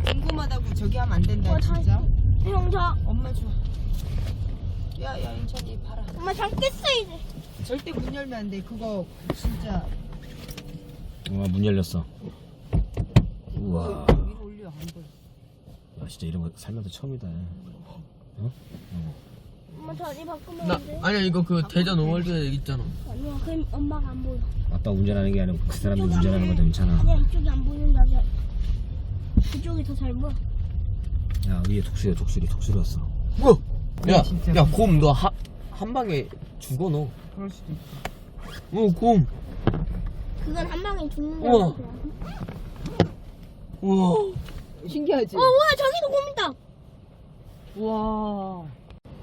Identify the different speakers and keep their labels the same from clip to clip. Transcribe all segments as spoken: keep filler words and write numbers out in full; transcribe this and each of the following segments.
Speaker 1: 궁금하다고 저기 하면 안 된다
Speaker 2: 어,
Speaker 1: 진짜.
Speaker 2: 형, 저.
Speaker 1: 엄마 줘. 야야 인천이 봐라.
Speaker 2: 엄마 잠겠어 이제.
Speaker 1: 절대 문 열면 안 돼. 그거 진짜.
Speaker 3: 와, 문 열렸어. 우와.
Speaker 1: 위로 올려 안 보여.
Speaker 3: 야, 진짜 이런 거 살면서 처음이다. 어? 어.
Speaker 2: 엄마 자리 바꾸면
Speaker 4: 나
Speaker 2: 안 돼?
Speaker 4: 아니야 이거 그 대전 오월드에 있잖아.
Speaker 2: 아니야, 그럼 엄마가 안 보여.
Speaker 3: 아빠 운전하는 게 아니고 그 사람이 운전하는 거도 괜찮아.
Speaker 2: 아니야, 이쪽이 안 보인다. 저. 그쪽이 더 잘 보여.
Speaker 3: 야, 위에 독수리야, 독수리, 독수리 왔어.
Speaker 4: 뭐야? 야,
Speaker 1: 진짜.
Speaker 4: 야, 곰 너 한 방에 죽어 너.
Speaker 1: 그럴 수도 있어.
Speaker 4: 어, 곰.
Speaker 2: 그건 한 방에 죽는
Speaker 4: 우와.
Speaker 2: 거야.
Speaker 4: 우와.
Speaker 1: 신기하지?
Speaker 2: 어, 와, 저기도 곰 있다.
Speaker 1: 와.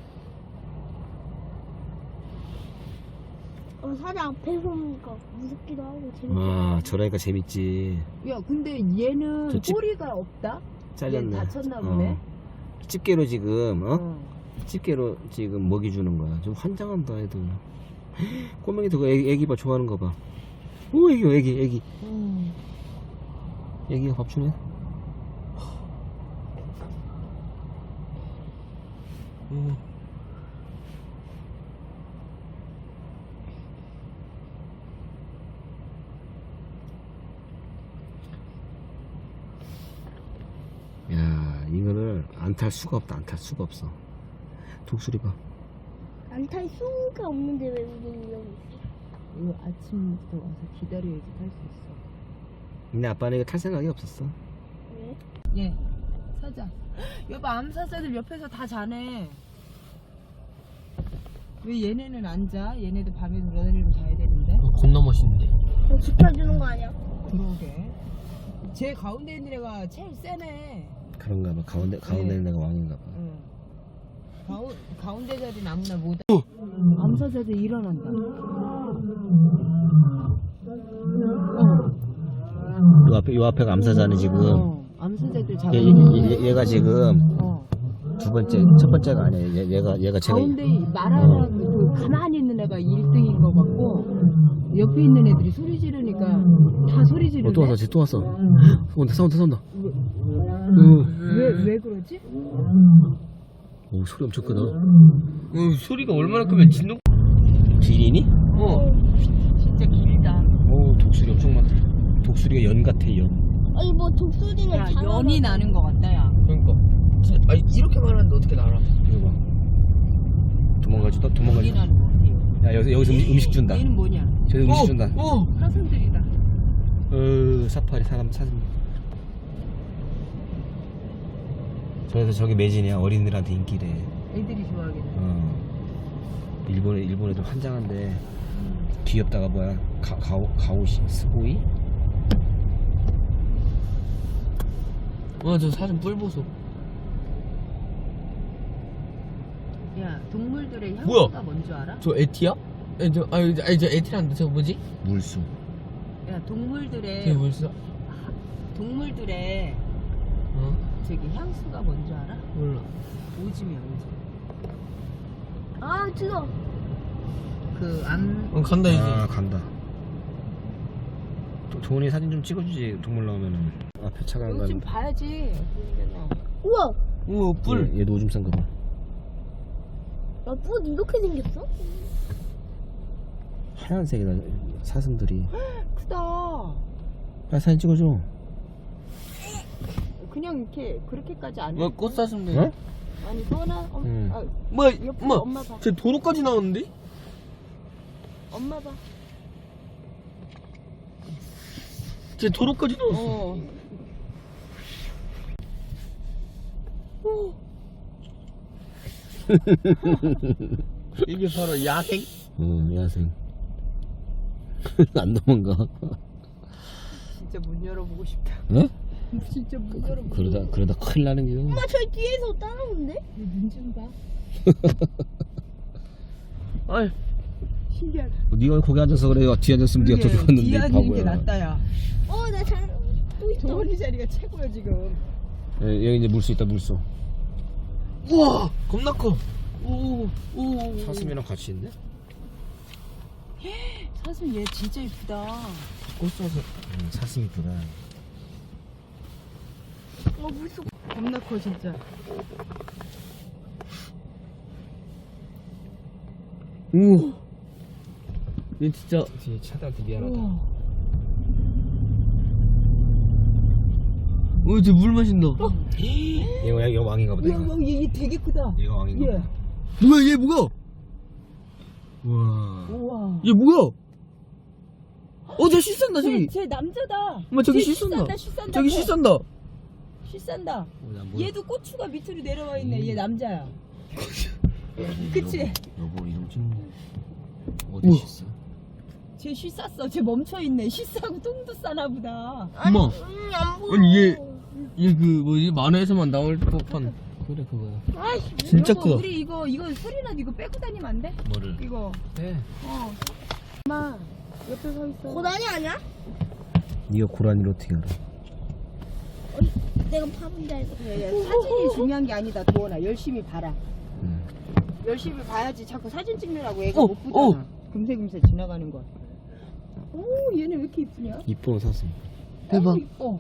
Speaker 2: 어, 사자 앞에서 오니까 무섭기도 하고 재밌다.
Speaker 3: 와, 저러니까 재밌지.
Speaker 1: 야 근데 얘는
Speaker 3: 저 집-
Speaker 1: 꼬리가 없다?
Speaker 3: 잘렸네.
Speaker 1: 얘 다쳤나 보네.
Speaker 3: 어. 집게로 지금, 어?
Speaker 1: 어.
Speaker 3: 집게로 지금 먹이 주는 거야. 좀 환장한다, 애들. 꼬맹이도 그 애기, 애기 봐, 좋아하는 거 봐. 오, 애기, 애기, 애기.
Speaker 1: 음.
Speaker 3: 애기가 밥 주네.
Speaker 4: 어.
Speaker 3: 야, 이거를 안 탈 수가 없다, 안 탈 수가 없어. 독수리 봐.
Speaker 2: 안탈 수가 없는데 왜 우리 여기 있어?
Speaker 1: 이거 아침부터 와서 기다려야지 탈 수 있어.
Speaker 3: 근데 아빠는 이거 탈 생각이 없었어.
Speaker 2: 왜?
Speaker 1: 예. 사자. 여보 암사자들 옆에서 다 자네. 왜 얘네는 안 자? 얘네도 밤에 돌아다니면 자야 되는데.
Speaker 4: 어, 겁나 멋있는데.
Speaker 2: 저 지켜주는 거 아니야?
Speaker 1: 그러게. 제 가운데 있는 애가 제일 세네.
Speaker 3: 그런가 봐. 가운데, 가운데 있는 애가 왕인가 봐.
Speaker 1: 응. 가운, 가운데 자리는 아무나 못. 암사자들 일어난다.
Speaker 3: 요 앞에, 요 앞에가 암사자네, 지금.
Speaker 1: 어. 암사자들 잡아.
Speaker 3: 얘, 얘, 얘, 가 지금
Speaker 1: 어.
Speaker 3: 두 번째, 첫 번째가 아니야. 얘, 얘가, 얘가 제가.
Speaker 1: 가운데 말하는 그 가만히 있는 애가 일 등인 것 같고 옆에 있는 애들이 소리 지르니까 다 소리 지르네.
Speaker 3: 어, 또 왔어, 또 왔어. 온다, 싸운다, 싸운다.
Speaker 1: 왜, 왜 그러지?
Speaker 3: 오, 소리 엄청 크다.
Speaker 4: 어, 소리가 얼마나 크면 진동.
Speaker 3: 기린이?
Speaker 4: 어.
Speaker 1: 진짜 길다.
Speaker 3: 오, 독수리 엄청 많다. 독수리가 연 같아, 연.
Speaker 2: 아니 뭐 독수리는
Speaker 1: 야,
Speaker 2: 장어가-
Speaker 1: 연이 나는 것 같다, 야.
Speaker 4: 그러니까. 진짜, 아니 이렇게 말하는데 어떻게 날아?
Speaker 3: 이거 봐. 도망가지, 또
Speaker 1: 연이
Speaker 3: 도망가지.
Speaker 1: 나는 것 같아.
Speaker 3: 야, 여기서, 여기서 음식, 음식 준다.
Speaker 1: 얘는 뭐냐?
Speaker 3: 저기 음식 준다.
Speaker 4: 어.
Speaker 1: 사슴들이다.
Speaker 3: 어, 사파리, 사람, 사슴. 그래서 저기 매진이야. 어린이들한테 인기래.
Speaker 1: 애들이 좋아하겠네.
Speaker 3: 어. 일본, 일본 애들 환장한데. 귀엽다가 뭐야? 가, 가오, 가오시, 스고이?
Speaker 4: 와, 저 사진 뿔 보소.
Speaker 1: 야, 동물들의
Speaker 4: 뭐야?
Speaker 1: 향수가 뭔지 알아?
Speaker 4: 저 에티야? 아니 저 아니 저, 아니, 저 에티란데 저거 뭐지?
Speaker 3: 물수.
Speaker 1: 야, 동물들의
Speaker 4: 저게 뭐였어?
Speaker 1: 동물들의
Speaker 4: 어?
Speaker 1: 저기 향수가 뭔지 알아?
Speaker 4: 몰라.
Speaker 1: 오줌이야, 오줌.
Speaker 2: 아 들어.
Speaker 1: 그 암.
Speaker 4: 어, 간다 이제.
Speaker 3: 아, 간다. 도, 도훈이 사진 좀 찍어주지, 동물 나오면은. 앞에 차가 안
Speaker 1: 이거 좀
Speaker 3: 가는.
Speaker 1: 봐야지.
Speaker 2: 우와.
Speaker 4: 우와 뿔.
Speaker 3: 얘, 얘도 오줌 싼 거 봐.
Speaker 2: 야, 뿔 이렇게 생겼어?
Speaker 3: 하얀색이다, 사슴들이.
Speaker 1: 크다.
Speaker 3: 빨리 사진 찍어줘.
Speaker 1: 그냥 이렇게 그렇게까지 안 해.
Speaker 4: 뭐 꽃사슴들.
Speaker 3: 어?
Speaker 1: 아니 소나. 어,
Speaker 3: 응.
Speaker 1: 아,
Speaker 4: 뭐야?
Speaker 1: 옆에
Speaker 4: 엄마.
Speaker 1: 엄마 봐.
Speaker 4: 쟤 도로까지 나왔는데?
Speaker 1: 엄마 봐.
Speaker 4: 쟤 도로까지 나왔어.
Speaker 1: 어.
Speaker 4: 이게 바로 야생.
Speaker 3: 어, 야생. 안 도망가.
Speaker 1: 진짜 문 열어보고 싶다.
Speaker 3: 어?
Speaker 1: 진짜 문 열어보고.
Speaker 3: 그러다, 그러다 큰일 나는 게.
Speaker 2: 엄마 저기 뒤에서 따라오는데?
Speaker 1: 눈좀 봐.
Speaker 4: 아이.
Speaker 1: 신기하다.
Speaker 3: 네가 거기 앉아서 그래. 뒤에 앉았으면 네가 더
Speaker 1: 그러게,
Speaker 3: 좋았는데.
Speaker 1: 뒤에 앉는 게
Speaker 3: 바보야.
Speaker 1: 낫다, 야.
Speaker 2: 어, 나 잘. 또 있어.
Speaker 1: 도원이 자리가 최고야 지금.
Speaker 3: 예, 여기 이제 물수 있다, 물수.
Speaker 4: 우와 겁나 커. 오, 오.
Speaker 3: 사슴이랑 같이 있네?
Speaker 1: 사슴 얘 진짜 이쁘다.
Speaker 4: 꽃사슴.
Speaker 3: 응, 사슴 이쁘다.
Speaker 2: 어 무서워.
Speaker 1: 겁나 커 진짜.
Speaker 4: 우와. 얘 진짜.
Speaker 3: 뒤에 차들한테 미안하다.
Speaker 1: 우와.
Speaker 4: 어, 쟤 물 마신다.
Speaker 3: 얘가 얘가 왕인가 보다.
Speaker 1: 야,
Speaker 3: 얘가,
Speaker 1: 야, 얘, 얘 되게 크다.
Speaker 3: 얘가 왕인가
Speaker 1: 얘.
Speaker 3: 보다.
Speaker 4: 뭐야, 얘 뭐야?
Speaker 3: 우와.
Speaker 1: 우와.
Speaker 4: 얘 뭐야? 어, 쟤 씻산다, 저기.
Speaker 1: 쟤, 쟤 남자다.
Speaker 4: 엄마, 저기
Speaker 1: 쟤
Speaker 4: 씻산다.
Speaker 1: 씻산다.
Speaker 4: 저기
Speaker 1: 쟤.
Speaker 4: 씻산다.
Speaker 1: 씻산다.
Speaker 3: 어, 나 뭐야?
Speaker 1: 얘도 고추가 밑으로 내려와 있네. 얘 남자야. 그치?
Speaker 3: 여보 이름 좀 어디
Speaker 4: 우와.
Speaker 3: 있어?
Speaker 1: 쟤 씻쌌어. 쟤 멈춰 있네. 씻싸고 똥도 싸나 보다.
Speaker 4: 엄마.
Speaker 2: 음, 안 보여.
Speaker 4: 아니, 얘, 얘 그, 뭐지, 만화에서만 나올 법한.
Speaker 3: 그래 그거야.
Speaker 2: 아이씨.
Speaker 4: 진짜
Speaker 1: 여보,
Speaker 4: 크다.
Speaker 1: 우리 이거 이거 소리나 이거 빼고 다니면 안 돼?
Speaker 3: 뭐를?
Speaker 1: 이거.
Speaker 3: 네.
Speaker 1: 어. 엄마 옆에 서 있어.
Speaker 2: 고라니 아니야?
Speaker 3: 네가 고라니를 어떻게 알아?
Speaker 2: 내가 파본 줄 알고.
Speaker 1: 야, 야, 사진이 중요한 게 아니다. 도원아 열심히 봐라.
Speaker 3: 응.
Speaker 1: 열심히 봐야지. 자꾸 사진 찍느라고 애가
Speaker 4: 어,
Speaker 1: 못 보잖아. 금세금세 지나가는 거. 오 얘네 왜 이렇게 이쁘냐?
Speaker 3: 이쁜 옷 샀어.
Speaker 4: 대박.
Speaker 1: 어, 이뻐.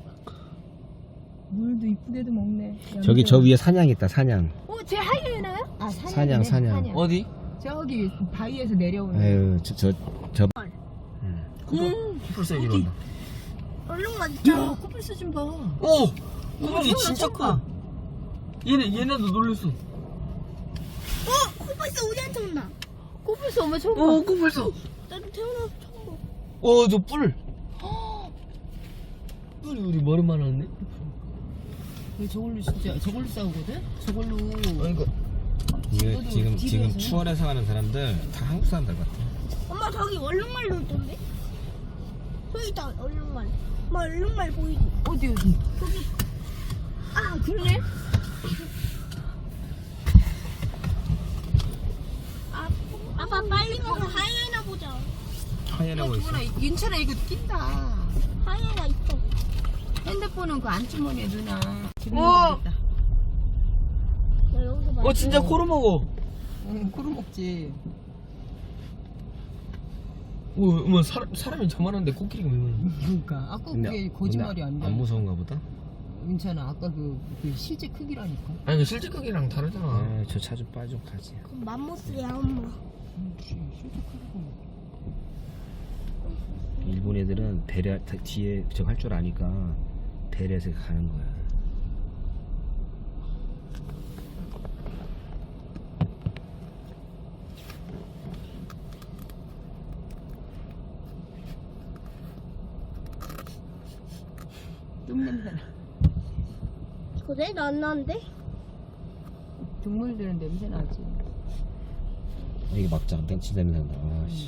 Speaker 1: 물도 이쁘게도 먹네.
Speaker 3: 저기 저 위에 사냥 있다 사냥.
Speaker 2: 어, 쟤 하이에나요?
Speaker 1: 아,
Speaker 3: 사냥,
Speaker 1: 사냥이네,
Speaker 3: 사냥.
Speaker 4: 어디?
Speaker 1: 저기 바위에서 내려오는.
Speaker 3: 아유 저저 저. 응.
Speaker 1: 음,
Speaker 3: 풀세 이런다.
Speaker 2: 얼른 가자.
Speaker 1: 야, 코뿔소 좀 봐.
Speaker 4: 오! 코뿔이 진짜 커. 얘네, 얘네도 놀랬어.
Speaker 2: 어, 코뿔소 우리한테 온다.
Speaker 1: 코뿔소 엄마 처음 봐.
Speaker 4: 오, 코뿔소.
Speaker 2: 나도 태어나서 처음 봐.
Speaker 4: 어, 저 뿔. 뿔이 우리 머리만 하네.
Speaker 1: 왜 저걸로 진짜 저걸로 싸우거든? 저걸로.
Speaker 4: 아니, 그,
Speaker 3: 이거 지금
Speaker 1: 집에서.
Speaker 3: 지금 추월해서 가는 사람들 다 한국 사람들 같아.
Speaker 2: 엄마 저기 얼룩말도 있던데? 저기 있다 얼룩말. 엄마 얼룩말 보이지?
Speaker 1: 어디 어디?
Speaker 2: 아 그러네. 아, 아빠 빨리 가서 하이에나 보자.
Speaker 3: 하얘라고 있어.
Speaker 1: 도원아 윤철아 이거 낀다.
Speaker 2: 하이에나 있어.
Speaker 1: 핸드폰은 그 안주머니에 누나.
Speaker 4: 우와.
Speaker 2: 나 여기서 봐.
Speaker 4: 어, 진짜 코로 먹어.
Speaker 1: 응, 코로 먹지.
Speaker 4: 오, 뭐, 사람, 사람이 저만한데 코끼리가 왜 그러는
Speaker 1: 그러니까 아까 그게 거짓말이 아니야.
Speaker 3: 안 무서운가 보다.
Speaker 1: 윤찬아 아까 그, 그 실제 크기라니까.
Speaker 4: 아니, 그 실제 크기랑 다르잖아.
Speaker 3: 아, 저 차 좀 빠져 가지.
Speaker 2: 그럼 맘모스야 엄마.
Speaker 1: 음, 씨, 실제 크기고.
Speaker 3: 일본 애들은 배려 다- 뒤에 저거 할 줄 아니까 배려해서 가는 거야.
Speaker 1: 똥 냄새나.
Speaker 2: 그래? 나안 나는데?
Speaker 1: 동물들은 냄새 나지.
Speaker 3: 이게 막자 벤치 냄새 난다. 아, 씨.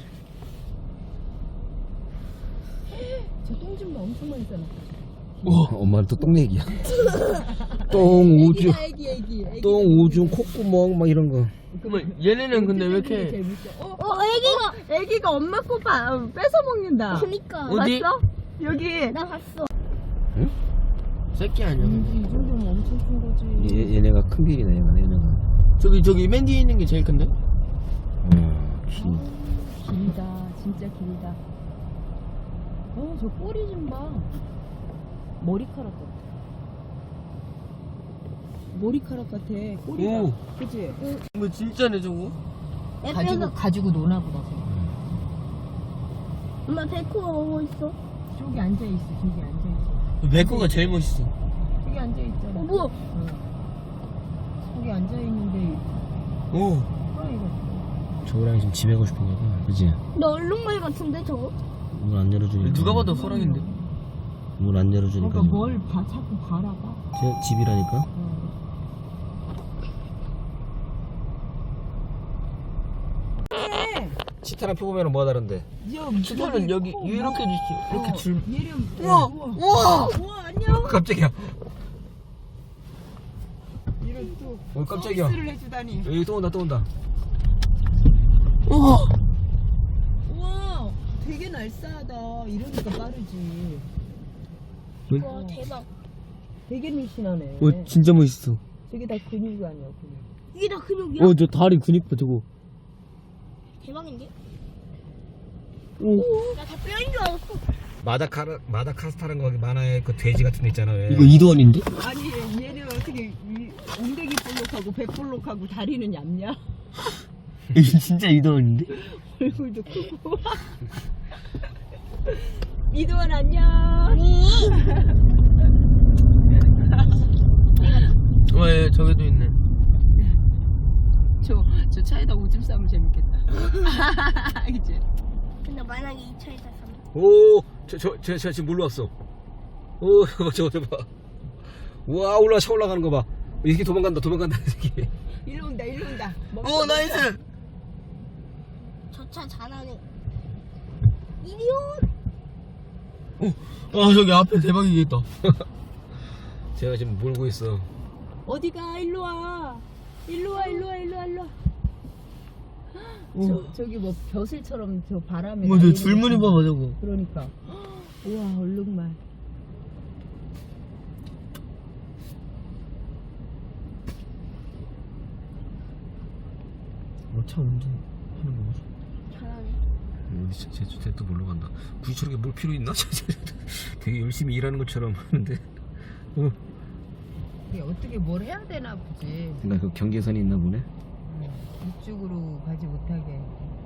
Speaker 1: 저 똥 좀 엄청 많이 싸놨다.
Speaker 3: 어, 엄마는 또 똥 얘기야. 똥 오줌,
Speaker 1: 애기 애기 애기.
Speaker 3: 똥 오줌, 콧구멍 막 이런 거.
Speaker 4: 그러면 얘네는 근데 왜 이렇게.
Speaker 1: 재밌어. 어,
Speaker 2: 어 애기가.
Speaker 1: 애기가 엄마 거 봐, 뺏어 먹는다.
Speaker 2: 그니까.
Speaker 4: 어디?
Speaker 1: 봤어? 여기.
Speaker 2: 나 봤어.
Speaker 4: 새끼 아니야.
Speaker 1: 이 정도면 엄청 큰 거지.
Speaker 3: 얘, 얘네가 큰 비리네 얘가 얘네가.
Speaker 4: 저기, 저기 맨 뒤에 있는 게 제일 큰데?
Speaker 3: 어, 긴.
Speaker 1: 길다, 진짜 길다. 어, 저 꼬리 좀 봐. 머리카락 같아. 머리카락 같아. 꼬리가.
Speaker 4: 오.
Speaker 1: 그치?
Speaker 4: 뭐, 진짜네, 저거?
Speaker 1: 가지고 가지고 노나 보다. 쟤.
Speaker 2: 엄마 백호 오고 있어.
Speaker 1: 저기 앉아 있어. 저기 앉아 있어.
Speaker 4: 백호가 제일 멋있어.
Speaker 1: 저기 앉아 있잖아.
Speaker 2: 어 뭐야?
Speaker 1: 응. 저기 앉아 있는데.
Speaker 4: 오.
Speaker 1: 호랑이가.
Speaker 3: 저거랑 지금 집에 가고 싶은가 봐. 그치?
Speaker 2: 너 얼룩말 같은데 저거?
Speaker 3: 문 안 열어주니까.
Speaker 4: 누가 봐도 호랑인데?
Speaker 3: 문 안 열어주니까.
Speaker 1: 그러니까 뭘 봐, 자꾸 바라봐.
Speaker 3: 제 집이라니까.
Speaker 1: 응.
Speaker 3: 치타랑 표보면 뭐가 다른데?
Speaker 4: 치타는 여기, 이렇게 주지. 이렇게 줄.
Speaker 1: 얘는
Speaker 4: 우와! 우와!
Speaker 1: 우와 안녕.
Speaker 3: 깜짝이야.
Speaker 1: 이런 또
Speaker 3: 어, 깜짝이야.
Speaker 1: 서비스를 해주다니.
Speaker 3: 여기 또 온다 또 온다.
Speaker 4: 우와!
Speaker 1: 우와 되게 날쌔하다. 이러니까 빠르지.
Speaker 2: 와 대박.
Speaker 1: 되게 늘씬하네.
Speaker 4: 어, 진짜 멋있어.
Speaker 1: 저게 다 근육이 아니야 근육.
Speaker 2: 이게 다 근육이야?
Speaker 4: 어, 저 다리 근육 봐, 저거.
Speaker 2: 대박인데?
Speaker 4: 오.
Speaker 2: 나 다 뼈인 줄 알았어.
Speaker 3: 마다카라 마다카스타라는 거기 만화에 그 돼지 같은 데 있잖아. 왜.
Speaker 4: 이거 이도원인데?
Speaker 1: 아니 얘는 어떻게 이 엉덩이 볼록하고 배 볼록하고 다리는 얇냐?
Speaker 4: 이거 진짜 이도원인데?
Speaker 1: 얼굴도 크고. 이도원 안녕.
Speaker 2: 아니.
Speaker 4: 어, 예, 저기도 있네.
Speaker 1: 저, 저 차에다 오줌 싸면 재밌겠다. 그치?
Speaker 2: 근데 만약에 이 차에다 사면
Speaker 3: 오, 저, 저, 저, 저 지금 물로 왔어. 오, 저거, 저거, 저거 봐. 우와, 올라, 차 올라가는 거 봐. 이렇게 도망간다, 도망간다, 이렇게.
Speaker 1: 일로 온다, 일로 온다.
Speaker 4: 어, 나이스!
Speaker 2: 저 차 잘하네. 이리온.
Speaker 4: 아, 저기 앞에 대박이겠다.
Speaker 3: 제가 지금 몰고 있어.
Speaker 1: 어디가? 일로 와. 일로 와, 일로 와, 일로 와, 일로 와. 저, 저기 뭐 벼슬처럼 저 바람에.
Speaker 4: 뭐, 저
Speaker 1: 날리는
Speaker 4: 줄무늬
Speaker 1: 거.
Speaker 4: 봐봐, 저거.
Speaker 1: 그러니까. 우와, 얼룩말.
Speaker 4: 어, 차 운전하는 거 보소.
Speaker 2: 잘하네.
Speaker 3: 음, 쟤, 쟤, 쟤 또 몰러 간다. 굳이 저렇게 뭘 필요 있나? 되게 열심히 일하는 것처럼 하는데. 어.
Speaker 1: 이게 어떻게 뭘 해야 되나 보지.
Speaker 3: 그러니까 그 경계선이 있나 보네.
Speaker 1: 이쪽으로 가지 못하게.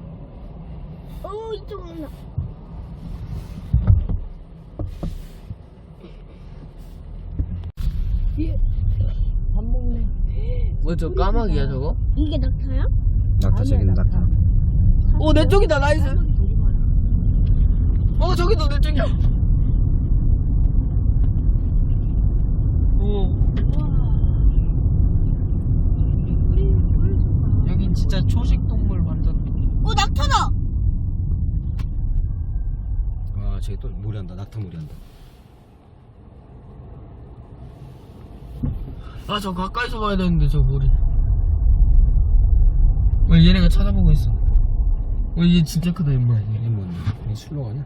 Speaker 2: 어 이쪽으로 나.
Speaker 1: 예. 밥 먹네.
Speaker 4: 뭐, 저 까마귀야, 저거?
Speaker 2: 이게 낙타야?
Speaker 3: 낙타, 저기는 낙타.
Speaker 4: 어, 내 쪽이다, 나이스!
Speaker 1: 까마귀 되게 많아.
Speaker 4: 어, 저기도 내 쪽이야! 어, 여긴 진짜 초식 동물 완전.
Speaker 2: 어 낙타다.
Speaker 3: 아, 저기 또 무리한다. 낙타 무리한다.
Speaker 4: 아, 저 가까이서 봐야 되는데, 저 머리. 어, 얘네가 찾아보고 있어. 어, 얘 진짜 크다, 임마.
Speaker 3: 이게 뭔데? 이 술로 가냐?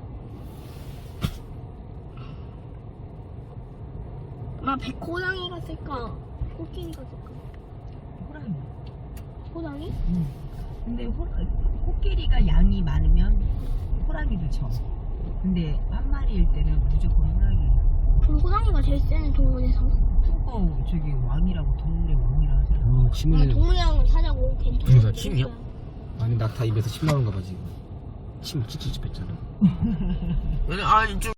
Speaker 2: 나 백호랑이가 쓸까? 코끼리가 쓸까?
Speaker 1: 호랑이.
Speaker 2: 호랑이?
Speaker 1: 응. 근데 호, 코끼리가 양이 많으면 호랑이도 쳐. 근데 한 마리일 때는 무조건 호랑이.
Speaker 2: 그럼 호랑이가 제일 세는 동물에서.
Speaker 1: 어, 저기 왕이라고 동물의 왕이라 하잖아.
Speaker 3: 어,
Speaker 2: 나
Speaker 3: 침 흘리는.
Speaker 2: 동물이랑은 사자고 걔
Speaker 3: 그러니까 침이야? 아니, 낙타 입에서 침 나오는가 봐, 지금. 침 찌찌찌 뺐잖아.
Speaker 4: 얘네, 아, 이쪽.